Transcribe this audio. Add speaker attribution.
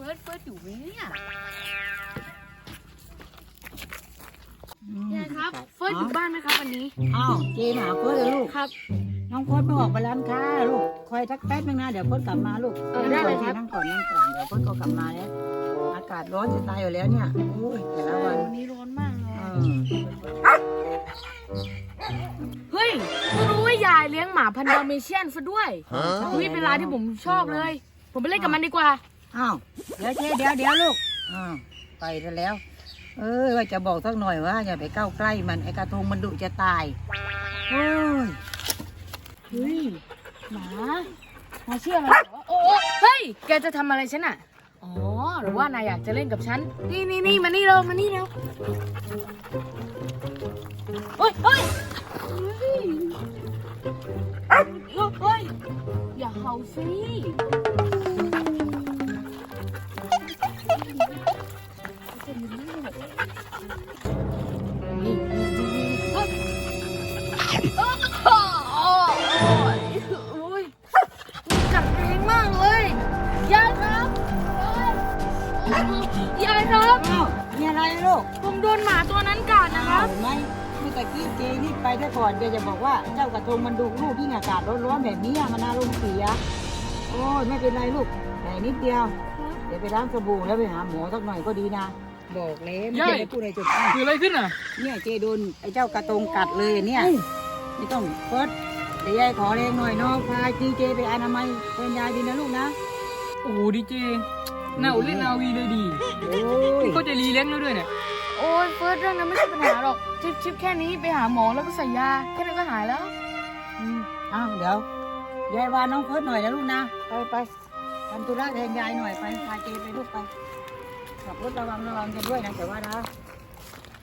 Speaker 1: ฟิร์สอยู่ไหมเนี่ยยายครับเฟิร์สอยู่บ้านไหมครับวันนี้
Speaker 2: อ้าวเจนหาเฟิร์สเลยลูก
Speaker 1: ครับ
Speaker 2: น้องเฟิร์สไม่ออกไปร้านค้าลูกคอยสักแป๊บนึงนะเดี๋ยวเฟิร์สกลับมาลูก
Speaker 1: ได้เลยครับ
Speaker 2: นั่งก่อนเดี๋ยวเฟิร์สก็กลับมาแล้วอากาศร้อนจะตายอยู่แล้วเนี่ยโอ้ยแต่ละวัน
Speaker 1: นี้ร้อนมากเลยเฮ้ยไม่รู้ว่ายายเลี้ยงหมาพันธุ์ดาเมเชียนซะด้วยนี่เป็นร้านที่ผมชอบเลยผมไปเล่นกับมันดีกว่า
Speaker 2: อ้าวเดี๋ยวเจ๊เดี๋ยวลูกอ้าวไปแล้วว่าจะบอกสักหน่อยว่าอย่าไปเข้าใกล้มันไอกระทงมันดุจะตายโอ้ย
Speaker 1: เฮ้ยหมาเชื่อมันเหรอโอ้เฮ้ยแกจะทำอะไรฉันอ่ะอ๋อหรือว่านายอยากจะเล่นกับฉันนี่มานี่เร็วเฮ้ยเฮ้ยอย่าเห่าสิกัดแรงมากเลยยายครับยายครับ
Speaker 2: อ้าวมีอะไรลูก
Speaker 1: ผมโดนหมาตัวนั้นกัดนะครับ
Speaker 2: ไม่ตะกี้เจนี่ไปได้ก่อนเจจะบอกว่าเจ้ากระทงมันดุลูกที่อากาศร้อนๆแบบนี้มันอารมณ์เสียโอ้ยไม่เป็นไรลูกแต่นิดเดียวเดี๋ยวไปล้างสบู่แล้วไปหาหมอสักหน่อยก็ดีนะบอกแล้วไม่ได้พูดอะไรจบ
Speaker 1: คืออะไรขึ้นอ่ะ
Speaker 2: เนี่ยเจโดนไอ้เจ้ากระทงกัดเลยเนี่ยไม่ต้องเฟิร์สเดี๋ยวยายขอแรงหน่อยน้องพาเจไปอนามัยเป็นยายดีนะลูกนะ
Speaker 1: โอ้ดีเจน่าเล่นนาวีเลยดี
Speaker 2: โอ้ย
Speaker 1: ก็จะรีเลี้ยงแล้วด้วยเนี่ยโอ้ยเฟิร์สเรื่องนั้นไม่ใช่ปัญหาหรอกชิปแค่นี้ไปหาหมอแล้วก็ใส่ยาแค่นั้นก็หายแล้ว
Speaker 2: อ้าวเดี๋ยวยายวานน้องเฟิร์สหน่อยนะลูกนะไปทำธุระแทนยายหน่อยไปพาเจไปลูกไปขับรถระวังกันด้วยนะแต่ว่านะ